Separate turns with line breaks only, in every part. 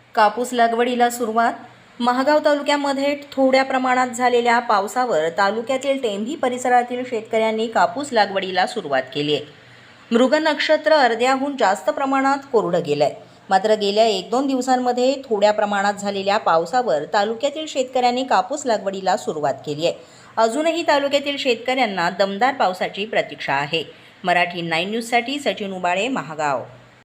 कापूस लागवडीला सुरुवात. महागाव तालुक्यामध्ये थोड्या प्रमाणात झालेल्या पावसावर तालुक्यातील टेंभी परिसरातील शेतकऱ्यांनी कापूस लागवडीला सुरुवात केली आहे. मृग नक्षत्र अर्ध्याहून जास्त प्रमाणात कोरडं गेलंय. मात्र गेल्या 1-2 दिवसांमध्ये थोड्या प्रमाणात झालेल्या पावसावर तालुक्यातील शेतकऱ्यांनी कापूस लागवडीला सुरुवात केली आहे. अजूनही तालुक्यातील शेतकऱ्यांना दमदार पावसाची प्रतीक्षा आहे. मराठी 9 न्यूजसाठी सचिन उबाळे, महागाव.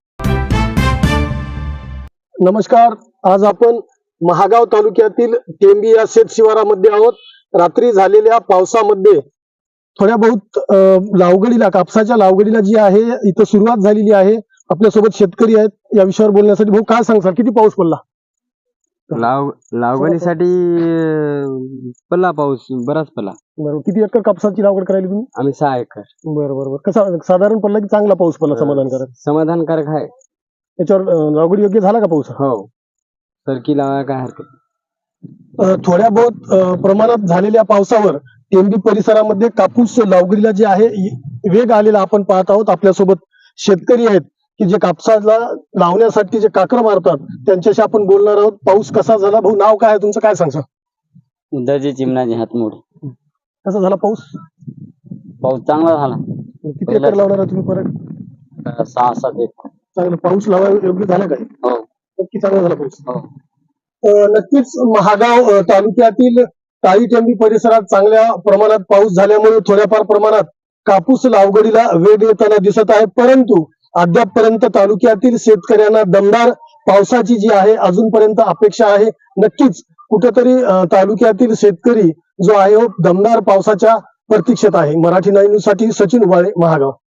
नमस्कार. आज आपण महागाव तालुक्यातील टेंभी या शेत शिवारामध्ये आहोत. रात्री झालेल्या पावसामध्ये थोड्या बहुत लावगडीला, कापसाच्या लावगडीला जी आहे इथं सुरुवात झालेली आहे. आपल्यासोबत शेतकरी आहेत. या विषयावर बोलण्यासाठी भाऊ काय सांगसाल, किती पाऊस पडला?
लागवडीसाठी पडला पाऊस, बराच पडला.
बरोबर. किती एकर कापसाची लागवड करायली तुम्ही?
आम्ही 6 एकर.
बरोबर. कसा साधारण पडला की चांगला पाऊस पडला? समाधानकारक.
समाधानकारक आहे.
याच्यावर लागवड योग्य झाला का पाऊस?
हो, सरकी लावायला काय हरकत.
थोड्या बहुत प्रमाणात झालेल्या पावसावर टेंभी परिसरामध्ये कापूस लागवडीला जे आहे वेग आलेला आपण पाहत आहोत. आपल्यासोबत शेतकरी आहेत की जे कापसाला लावण्यासाठी जे काकर मारतात, त्यांच्याशी आपण बोलणार आहोत. पाऊस कसा झाला? भाऊ, नाव काय आहे तुमचं, काय सांगसा?
उद्याची चिमणाची हातमोड.
कसा झाला पाऊस?
पाऊस चांगला झाला.
किती एकर लावणार आहे तुम्ही परत?
6-7 एकर.
चांगला पाऊस लावायला योग्य झाला काय?
हो,
नक्की चांगला झाला पाऊस.
हो.
नक्कीच महागाव तालुक्यातील टाळी टेंभी परिसरात चांगल्या प्रमाणात पाऊस झाल्यामुळे थोड्याफार प्रमाणात कापूस लागवडीला वेग येताना दिसत आहे. परंतु अद्यापपर्यंत तालुक्यातील शेतकऱ्यांना दमदार पावसाची जी आहे अजूनपर्यंत अपेक्षा आहे. नक्कीच कुठेतरी तालुक्यातील शेतकरी जो आहे दमदार पावसाच्या प्रतीक्षेत आहे. मराठी 9 न्यूज साठी सचिन उबाळे, महागाव.